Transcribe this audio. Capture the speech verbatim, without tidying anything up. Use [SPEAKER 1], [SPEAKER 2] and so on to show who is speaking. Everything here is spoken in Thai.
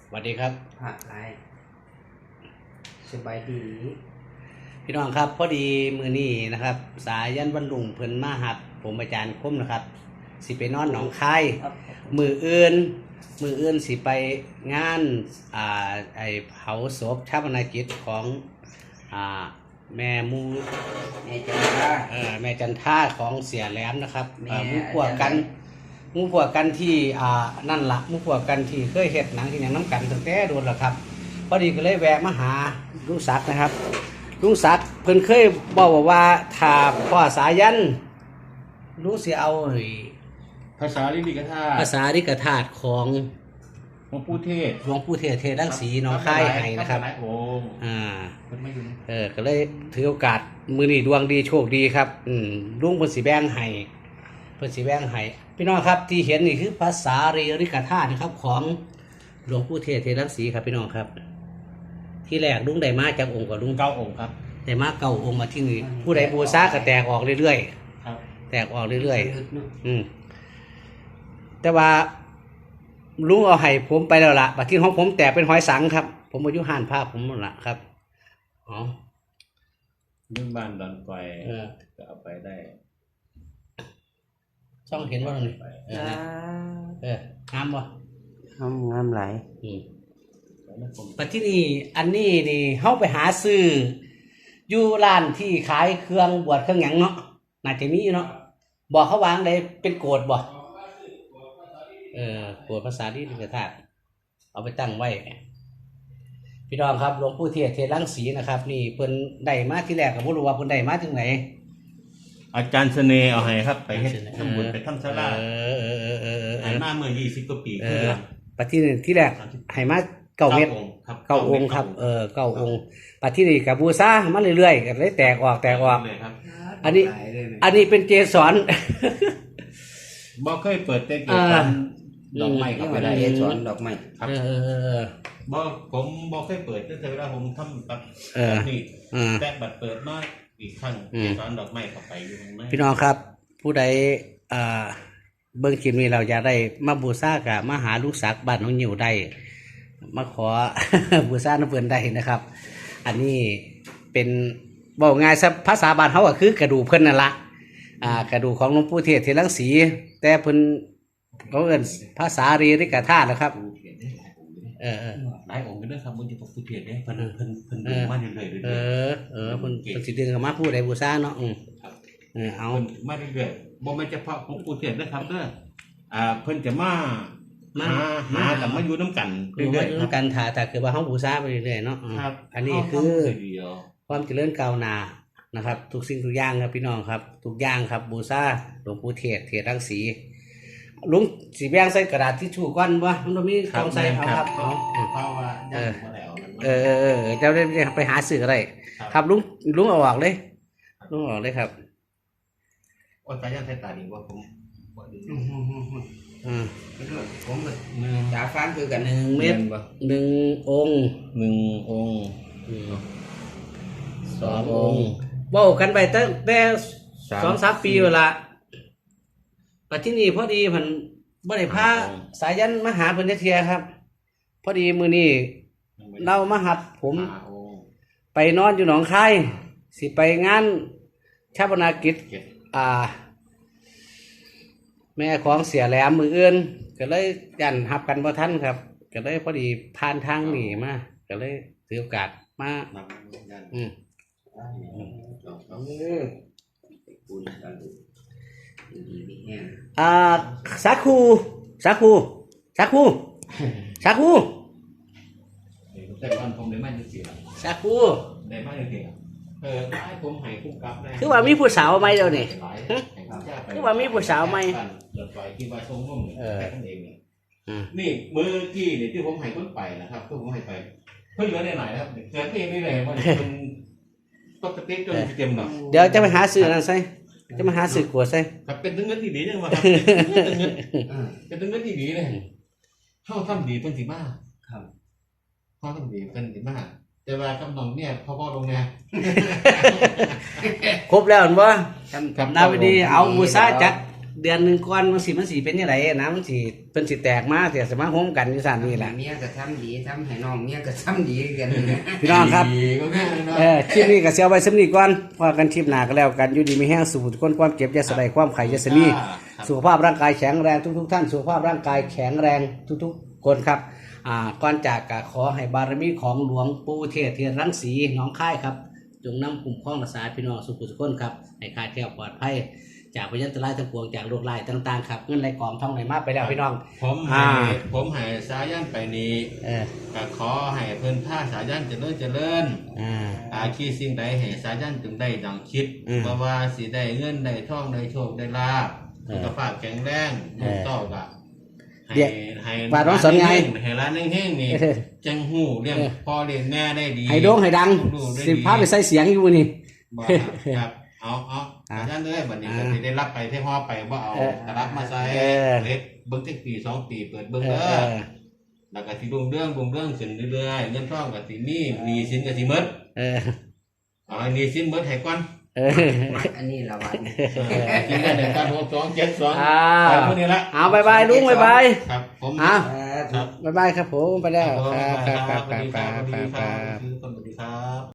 [SPEAKER 1] สวัสดีครับ
[SPEAKER 2] ผักไรสบายดี
[SPEAKER 1] พี่น้องครับพอดีมือนี้นะครับสายันวันลุงเพิ่นมาหับผมอาจารย์คมนะครับสิไปนอนหนองคายมืออื่นมืออื่นสิไปงานอ่าไอเผาศพชาปนกิจของอ่าแม่มู
[SPEAKER 2] แม่จันทา
[SPEAKER 1] เอ่อแม่จันท่าของเสียแหลมนะครับมูพวกกันมูพวกกันที่อ่านั่นละมูพวกกันที่เคยเฮ็ดหนังที่หยังน้ำกันตั้งแต่โดนแล้วครับพอดีก็เลยแวะมาหาลุงศักดิ์นะครับลุงศักดิ์เพิ่นเคยบอกว่าถ้าพ่อสายันรู้สิเอา
[SPEAKER 3] ภาษาลิลิกธาตุ
[SPEAKER 1] ภาษาริกธาตุของ
[SPEAKER 3] หลวงปู่เทศ
[SPEAKER 1] หลวงปู่เทศเทศรังสีน้องค่ายให้นะครับอ่าเออก็เลยถือโอกาสมื้อนี้ดวงดีโชคดีครับอืมลุงเพิ่นสิแบ่งให้เพิ่นสิแบ่งให้พี่น้องครับที่เห็นนี่คือภาษาเรริกธาตุนะครับของหลวงปู่เทศเทศรังสีครับพี่น้องครับที่แรกลุงได้มาจากองค์กับลุง
[SPEAKER 3] เก้าองค์ครับ
[SPEAKER 1] ได้มาเก้าองค์มาที่นี่ผู้ใดบูชาก็แตกออกเรื่อยๆครับแตกออกเรื่อยๆอืมแต่ว่าลุงเอาให้ผมไปแล้วล่ะบัดที่ของผมแตกเป็นหอยสังครับผมอายุห่านภาพผมหมดละครับอ๋อ
[SPEAKER 3] ยุ่งบ้านดอนไฟก็เอาไปได้
[SPEAKER 1] ช่องเห็นว่าไงเออเอองามบ่
[SPEAKER 2] งามงามหลาย
[SPEAKER 1] อืมปัจจุบันอันนี้นี่เฮาไปหาซื้ออยู่ร้านที่ขายเครื่องบวชเครื่องหยังเนาะน่าจะมีอยู่เนาะบอกเขาวางได้เป็นโกดบ่เออโกดภาษาที่ลิขธาตุเอาไปตั้งไว้พี่น้องครับหลวงปู่เทศเทศรังสีนะครับนี่เพิ่นได้มาที่แรกก็บ่รู้ว่าเพิ่นได้มาจากไหน
[SPEAKER 3] อาจารย์เสน่ห์เอาให้ครับไปเฮ็ดทำบุญไปทำศาลา
[SPEAKER 1] เออเออเออเออ
[SPEAKER 3] ให้มาเมื่อยี่สิบกว่าปี
[SPEAKER 1] เออปัจจุบันที่แรกให้มาเก้าเม็ดเก้าองค์ครับเออเก้าองค์ปัจจุบันกับบูชามาเรื่อยๆก็เลยแตกออกแตกออกอันนี้อันนี้เป็นเจสร
[SPEAKER 3] บ่เคยเปิดเตเกสรดอกไม้ครับไปได้
[SPEAKER 2] เจสรดอกไม้
[SPEAKER 1] ครับเออ
[SPEAKER 3] บ่ผมบ่เคยเปิดตั้งแต่เวลาผมทำแบบนี่แต่บัดเปิดมาอีกครั้งเจสรดอกไม้เข้าไปอยู่ข้างใน
[SPEAKER 1] พี่น้องครับผู้ใดอ่าเบิ่งคลิปนี้เราจะได้มาบูชากับมาหาลูกศักดิ์บ้านน้องหิวได้มาขอ บูชาน้ำเพิ่นได้นะครับ อันนี้เป็นบอกง่ายซะภาษาบ้านเขาก็คือกระดูกเพิ่นนั่นละอ่ากระดูกของหลวงปู่เทศเทศรังสีแต่เพิ่นเขาเอิ้นภาษาเรริกธาตุนะครับเออ
[SPEAKER 3] หลายองค์กันด้วยครับมึงจะตกผู้เทศได้เพิ่นเพิ่นเพิ่นดึงมาเรื่อยๆ
[SPEAKER 1] เออเออเพิ่นเพิ่นสิดึงเข้ามาผู้ใดบูชาเนาะอือเออเอา
[SPEAKER 3] มาเรื่อยๆบ่แม่นเฉพาะของผู้เทศนะครับเด้ออ่าเพิ่นจะมามาหาแต่มาอยู่น้ำกัน
[SPEAKER 1] เรื่อยๆอยู่น้ำกันถ้าถ้าคือว่าเขาบูชาไปเรื่อยๆเนาะอันนี้คือความเจริญก้าวหน้านะครับทุกสิ่งทุกอย่างครับพี่น้องครับทุกอย่างครับบูชาหลวงปู่เทศเทศรังสีลุงสีแบงใส่กระดาษทิชชู่ก้อนวะมันมีกองใส่เอาครับเอา
[SPEAKER 3] เพราะว่าเออ
[SPEAKER 1] เออเออเจ้าได้ไปหาสื่ออะไรครับลุงลุงเอาออกเลยลุงออกเลยครับ
[SPEAKER 3] โอ้ยตายันใส่ตาดีว่าผม
[SPEAKER 1] อืม
[SPEAKER 2] ผมจาฟ้านคือกัน
[SPEAKER 1] หนึ่งเม็ดหนึ่งองค์
[SPEAKER 3] หนึ่งองค์
[SPEAKER 1] สององค์ว่ากันไปตั้งแต่สองสามปีเวลาปัจจุบันพอดีมันบ่ได้พาสายันมาหาเพิ่นเทียครับพอดีมื้อนี้เรามาหับผมไปนอนอยู่หนองคายสิไปงานชาปนกิจอ่าแม่ของเสียแหลมมืออื่นก็เลยยันหับกันบ่ทันครับก็เลยพอดีผ่านทางนี้มาก็เลยถือโอกาสมาอืมอ่าสาคูสาคูสาคูสาคู
[SPEAKER 3] แต่ก่อนผมได้มาเสีย
[SPEAKER 1] สาคู
[SPEAKER 3] ได้มาเสียเออให้ผมให้คุ้มกับได้
[SPEAKER 1] คือว่ามีผู้สาวไหมเดี๋ยวนี้คือว่ามีผู้สาวไหม
[SPEAKER 3] เดือดไฟที่ว่าทรงร่มเออนี่มือกี้นี่ที่ผมให้คนไปนะครับที่ผมให้ไปเพิ่งเหลือได้หน่อยนะครับเจอที่นี่เลยว่าเป็นตกกระเตะจนเต็มหรอ
[SPEAKER 1] เดี๋ยวจะไปหาซื้อนั่นใช่จะมาหาซื้อขวดใช่
[SPEAKER 3] ครับเป็นถึงเงินที่ดีจังวะครับเป็นถึงเงินที่ดีเลยเข้าทำดีเป็นสีมากครับเข้าทำดีเป็นสีมากแต่ว่ากำลังเนี่ยพ่อพ่อลงไง
[SPEAKER 1] ครบแล้วเห็นป่ะนาวิดีเอาบูชาจัดเดือนหนึงก่อนมันสิมันสิเป็นจังไดนะมันสิเพิ่นสิแตกมาเสียสมาโฮมกันอยู่ซั่นนี่แหละ
[SPEAKER 2] เมียก็ทำดีทำให้น้องเมียก็ทำดีกันนะ
[SPEAKER 1] พี่น้องครับ
[SPEAKER 3] ดีก็แค่นั้นเนาะ
[SPEAKER 1] เออคลิปนี้ก็เสียไว้สำนี้ก่อนพอกันคลิปหน้าก็แล้วกันอยู่ดีมีแห้งสู่คนความเจ็บอย่าสลายความไข่อย่าสมีสุขภาพร่างกายแข็งแรงทุกๆท่านสุขภาพร่างกายแข็งแรงทุกๆคนครับอ่าก่อนจากก็ขอให้บารมีของหลวงปู่เทศเทียนรังสีหนองคายครับจงนำคุ้มครองรักษาพี่น้องสุขสุขคนครับให้คลายแคล้วปลอดภัยจากพยันตรายทั้งปวงจากโรคร้ายต่างๆครับเงินไหลกองท่องไหลมาไปแล้วพี่น้อง
[SPEAKER 3] ผมให้
[SPEAKER 1] อ่า
[SPEAKER 3] ผมให้สายันไปนี้
[SPEAKER 1] เออ
[SPEAKER 3] ก็ขอให้เพิ่นท่าสายันเจริญเจริญ
[SPEAKER 1] อ่า
[SPEAKER 3] อาคีสิ่งใดให้สายันจึงได้ดังคิด
[SPEAKER 1] อืม
[SPEAKER 3] เพราะว่าสิได้เงินได้ทองได้โชคได้ลาภ
[SPEAKER 1] เออ
[SPEAKER 3] สุขภาพแข็งแรง
[SPEAKER 1] เออ
[SPEAKER 3] ลูกเต้าก็ให้
[SPEAKER 1] เดี๋ยว
[SPEAKER 3] ให้
[SPEAKER 1] บาทน้องสนไง
[SPEAKER 3] ให้ร้านเฮงๆนี่
[SPEAKER 1] เออ
[SPEAKER 3] จังหู้เลี้ยง
[SPEAKER 1] เออ
[SPEAKER 3] พ่อเลี้ยงแม่ได้ดี
[SPEAKER 1] ให้โด่งให้ดัง
[SPEAKER 3] ลูกๆได้
[SPEAKER 1] สิ
[SPEAKER 3] ดี
[SPEAKER 1] พาไปใส่เสียงอยู่นี่
[SPEAKER 3] บ่ครับ เอาเอา
[SPEAKER 1] อ่า
[SPEAKER 3] สายันเลยบัดนี้
[SPEAKER 1] อ่า
[SPEAKER 3] ก็สิได้รับไปเท่ฮอไปบ่เอา
[SPEAKER 1] เออ
[SPEAKER 3] กระรับมาใส่
[SPEAKER 1] เออ
[SPEAKER 3] เล็ดเบิ่งจักปีสองปีเปิดเบิ่ง
[SPEAKER 1] เอ
[SPEAKER 3] เด้
[SPEAKER 1] อ
[SPEAKER 3] อ แล้วก็สิรุ่งเรื่องรุ่งเรื่องขึ้นเรื่อยๆเงินทองก็สิมีหนี้สินก็สิหมด
[SPEAKER 1] เออ
[SPEAKER 3] เอาให้หนี้สินหมดให้ก่อน
[SPEAKER 1] เออ
[SPEAKER 2] มักอันนี้ละวัน
[SPEAKER 3] เออกินได้หนึ่งพันหกสองเจ็ดสอง
[SPEAKER 1] อ่า
[SPEAKER 3] ไปพวกนี้ละ
[SPEAKER 1] เอาบายบายลุงบายบาย
[SPEAKER 3] ครับผม
[SPEAKER 1] อ่ะ
[SPEAKER 3] ครับ
[SPEAKER 1] บายบายครับผมไปแล้ว
[SPEAKER 3] ผม
[SPEAKER 1] ครับครับครับ
[SPEAKER 3] สวัสดี
[SPEAKER 1] ครับ
[SPEAKER 3] สวัสดี
[SPEAKER 1] ครับ
[SPEAKER 3] ค
[SPEAKER 1] ค
[SPEAKER 3] รั
[SPEAKER 1] รั
[SPEAKER 3] บบ สวัสดีครับ